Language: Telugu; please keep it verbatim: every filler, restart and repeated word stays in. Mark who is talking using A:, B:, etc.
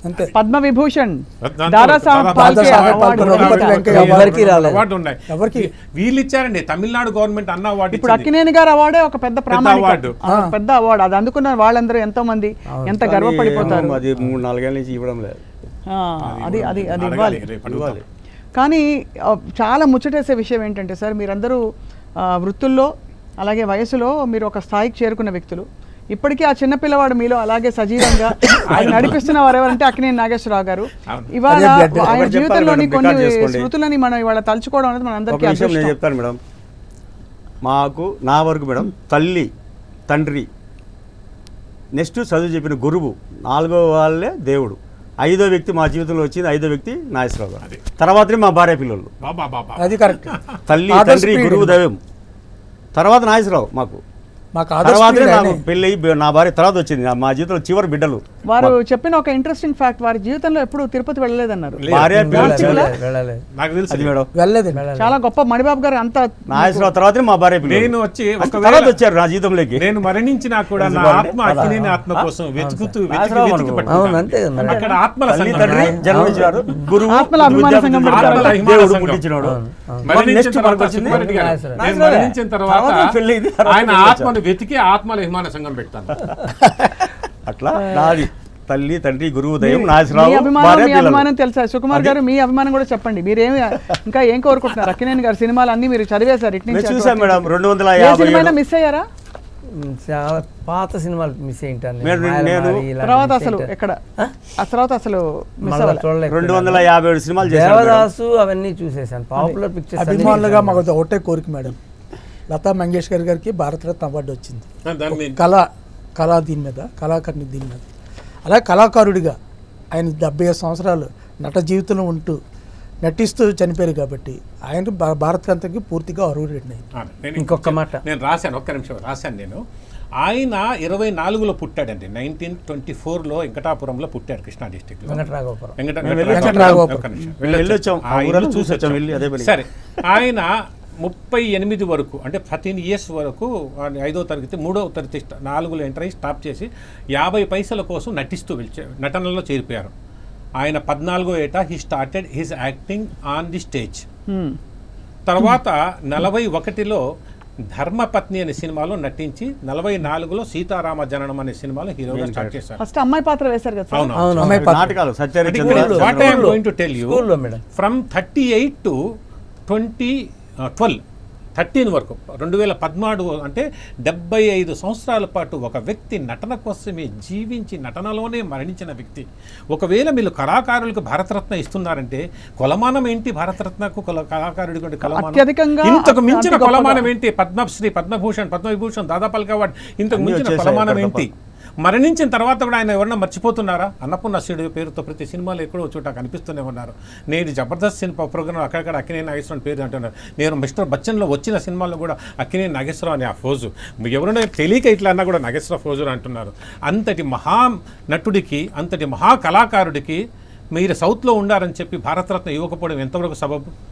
A: అంతే.
B: పద్మ విభూషణ్,
C: దాంతో
B: దాదాసాహెబ్
C: దాదాసాహెబ్
B: ఫాల్కే
A: ఫాల్కే
B: అవార్డు
A: అవార్డు
B: కూడా
A: వెంకయ్య
B: ఇచ్చారు.
D: ఎవరికి రాలేదు.
C: అవార్డు ఉన్నాయి.
A: ఎవరికి?
C: వీళ్ళు ఇచ్చారండి, తమిళనాడు గవర్నమెంట్ అన్న అవార్డు
B: ఇప్పుడు
C: ఇచ్చింది.
B: అక్కినేని గారు అవార్డే ఒక పెద్ద ప్రామాణిక
C: అవార్డు.
B: ఆ, పెద్ద అవార్డు. అది అందుకున్న వాళ్ళందరూ ఎంతో మంది ఎంత గర్వపడిపోతారు.
D: అది మూడు నాలుగేళ్ళ నుంచి ఇవ్వడం లేదు.
B: ఆ, అది అది అది
C: అడగాలి,
B: ఇవ్వాలి.
C: రేపు అడుగుతాం.
B: కానీ ఆ, చాలా ముచ్చటేసే విషయం ఏంటంటే సార్, మీరందరూ ఆ, వృత్తుల్లో అలాగే వయసులో మీరు ఒక స్థాయికి చేరుకున్న వ్యక్తులు. ఇప్పటికీ ఆ చిన్న పిల్లవాడు మీలో అలాగే సజీవంగా ఆయన నడిపిస్తున్న వారు ఎవరంటే అక్కినేని నాగేశ్వరరావు గారు. ఇవాళ
A: అదే బ్లడ్.
B: ఆయన
D: ఒకటి
B: జీవితంలోని
D: చెప్పాలి
B: కొన్ని
D: మేడం, రికార్డ్ చేసుకోండి.
B: స్మృతులని మనం ఇవాళ తలుచుకోవడం అనేది మన
D: ఒక
B: అందరికీ
D: విషయం నేను
B: అదృష్టం.
D: చెప్తాను మేడం. మాకు నా వరకు మేడం తల్లి, తండ్రి, నెక్స్ట్ చదువు చెప్పిన గురువు, నాలుగో వాళ్ళే దేవుడు, ఐదో వ్యక్తి మా జీవితంలో వచ్చింది ఐదో వ్యక్తి నాగేశ్వరరావు గారు. తర్వాతనే మా భార్య పిల్లలు.
C: బాబా బాబా
A: అది కరెక్ట్.
D: తల్లి,
A: ఆదర్శ
D: తండ్రి,
A: ప్రియుడు.
D: గురువు, దైవం, తర్వాత నాగేశ్వరరావు. మాకు
A: మాకు ఆదర్శ
D: తర్వాతనే
A: ప్రియుడు
D: నాకు
A: ఆయనే.
D: పెళ్ళి అయ్యి నా భార్య తర్వాత వచ్చింది. మా జీవితంలో చివరి బిడ్డలు.
B: వారు చెప్పిన ఒక ఇంట్రెస్టింగ్ ఫ్యాక్ట్, వారి జీవితంలో ఎప్పుడు తిరుపతి వెళ్ళలేదన్నారు.
C: లేదు.
D: భార్య పిల్లలు చివరి-
A: వెళ్ళలేదు.
C: నాకు తెలుసు
D: అది మేడం.
A: వెళ్ళలేదండి.
B: చాలా గొప్ప. మణిబాబు గారు అంత
D: నాగేశ్వరరావు తర్వాతనే మా భార్య పిల్లలు.
C: నేను వచ్చి
D: అసలు
C: ఒకవేళ
D: తర్వాత వచ్చారు నా జీవితంలోకి.
C: నేను మరణించినా కూడా నా ఆత్మ అక్కినేని ఆత్మ కోసం వెతుకుతూ వెతికి
D: నాగేశ్వరరావు
C: వెతికి
D: అనుకో.
C: పట్టుకుంటాను.
E: అవును, అంతే కదా మరి.
C: అక్కడ ఆత్మల
D: తల్లి,
C: సంఘం.
D: తండ్రి జన్మించారు, గురువు,
B: ఆత్మల అభిమాన
D: విద్యార్థి,
B: సంఘం
D: విద్యార్థి,
C: ఆత్మల అభిమాన
D: దేవుడు
C: సంఘం.
D: పుట్టించినోడు.
C: మరణించిన
D: నెక్స్ట్
C: తర్వాత
D: మనకు వచ్చింది
C: సుబ్బారెడ్డి గారు.
D: నాగేశ్వరరావు.
C: నేను మరణించిన తర్వాత
D: తర్వాత పెళ్ళి అయింది, తర్వాత
C: ఆయన
D: పెళ్ళి
C: ఆత్మను వెతికి ఆత్మల అభిమాన సంఘం పెడతాను.
D: అట్లా నాది తల్లి, తండ్రి, గురువు, దైవం,
B: మీ
D: నాగేశ్వరరావు,
B: అభిమానం
D: భార్య,
B: మీ
D: పిల్లలు.
B: అభిమానం తెలుసా? సుకుమార్ గారు మీ అభిమానం కూడా చెప్పండి. మీరేమి ఇంకా ఏం కోరుకుంటున్నారు? అక్కినేని గారి సినిమాలు అన్ని మీరు చదివేశారు. ఇటు
D: మేము
B: నుంచి
D: చూసాం
B: అటు
D: మేడం
B: వరకు.
D: రెండు వందల
B: ఏ
D: యాభై
B: సినిమా
D: ఏడు.
B: మిస్ అయ్యారా?
E: ఉమ్, చాలా పాత సినిమాలు మిస్ అయింటాను
D: నేను- నేను
B: తర్వాత అసలు ఎక్కడ ఆ తర్వాత అసలు మిస్ అవ్వాలి.
E: చూడలేదు.
D: రెండు వందల యాభై ఏడు సినిమాలు చేశాను మేడం.
E: దేవదాసు అవన్నీ చూసేసాను. పాపులర్ పిక్చర్స్
A: అభిమానులుగా మాకు ఒకటే కోరిక మేడం, లతా మంగేష్కర్ గారికి భారతరత్న అవార్డు వచ్చింది.
C: దాని మీద
A: కళ కళా దీని మీద, కళాకారుని దీని మీద. అలాగే కళాకారుడిగా ఆయన డెబ్బై ఐదు సంవత్సరాలు నట జీవితంలో ఉంటూ నటిస్తూ చనిపోయారు కాబట్టి ఆయన భా- భారతరత్నకి పూర్తిగా అర్హుడండి.
C: ఆ, నేను
E: ఇంకొక మాట.
C: నేను రాశాను, ఒక్క నిమిషం రాశాను. నేను ఆయన ఇరవై నాలుగులో పుట్టాడండి. నైన్టీన్ ట్వంటీ ఫోర్లో వెంకటాపురంలో పుట్టాడు, కృష్ణా డిస్టిక్లో.
E: వెంకటరాఘవపురం.
C: వెంకట
D: మేము
C: వెంకట-
A: వెంకటరాఘవపురం.
C: ఒక్క నిమిషం.
D: మేము వెళ్ళొచ్చాం. ఆ
C: ఆ
D: ఊరలో
C: ఇల్లు
D: చూసి వచ్చాం, వెళ్ళి అదే పని.
C: సరే, ఆయన ముప్పై ఎనిమిది వరకు అంటే థర్టీన్ ఇయర్స్ వరకు ఆయన ఐదో తరగతి మూడో తరగతి స్ట- నాలుగులో ఎంటర్ అయ్యి స్టాప్ చేసి యాభై పైసల కోసం నటిస్తూ వెళ్ళి నటనలో చేరిపోయారు. ఆయన పద్నాలుగో ఏట he started his acting on the stage.
B: Hmm.
C: తర్వాత నలభై ఒకటిలో ధర్మపత్ని అనే సినిమాలో నటించి నలభై నాలుగులో సీతారామ జననం అనే సినిమాలో హీరోగా స్టార్ట్ చేశారు.
B: ఫస్ట్ అమ్మాయి పాత్ర వేశారు కదా సార్?
C: అవును
E: అవును.
A: అమ్మాయి పాత్ర.
D: నాటకాలు సత్యహరిచంద్ర,
E: స్కూల్లో.
C: What I'm going to tell you,
E: స్కూల్లో madam.
C: From thirty eight to twenty twelve thirteen వరకు రెండు వేల పద్నాలుగు అంటే డెబ్బై ఐదు సంవత్సరాల పాటు ఒక వ్యక్తి నటన కోసమే జీవించి నటనలోనే మరణించిన వ్యక్తి. ఒకవేళ మీరు కళాకారులకు భారతరత్న ఇస్తున్నారంటే కొలమానం ఏంటి? భారతరత్నకు కొల- కళాకారుడికి ఉండే కొలమానం
B: అత్యధికంగా
C: ఇంతకు మించిన
B: అంత గొప్పగా.
C: కొలమానం ఏంటి? పద్మశ్రీ, పద్మభూషణ్, పద్మవిభూషణ్, దాదాపాల్క అవార్డు, ఇంతకు
D: అన్నీ
C: మించిన
D: వచ్చేసాయి
C: కొలమానం
D: ఇక్కడ
C: ఏంటి? మరణించిన తర్వాత కూడా ఆయన ఎవరన్నా మర్చిపోతున్నారా? అన్నపూర్ణాశ్వరుడు పేరుతో ప్రతి సినిమాలో ఎక్కడో చోట కనిపిస్తూనే ఉన్నారు. నేను జబర్దస్త్ సినిమా ప్రోగ్రామ్ అక్కడక్కడ అక్కినేని నాగేశ్వరరావు పేరు అంటున్నారు. నేను మిస్టర్ బచ్చన్లో వచ్చిన సినిమాల్లో కూడా అక్కినేని నాగేశ్వరరావు అనే ఆ ఫోజు ఎవరైనా తెలియక ఇట్లా అన్నా కూడా నాగేశ్వరరావు ఫోజు అంటున్నారు. అంతటి మహా నటుడికి, అంతటి మహా కళాకారుడికి మీరు సౌత్లో ఉండారని చెప్పి భారతరత్న ఇవ్వకపోవడం ఎంతవరకు సబబు?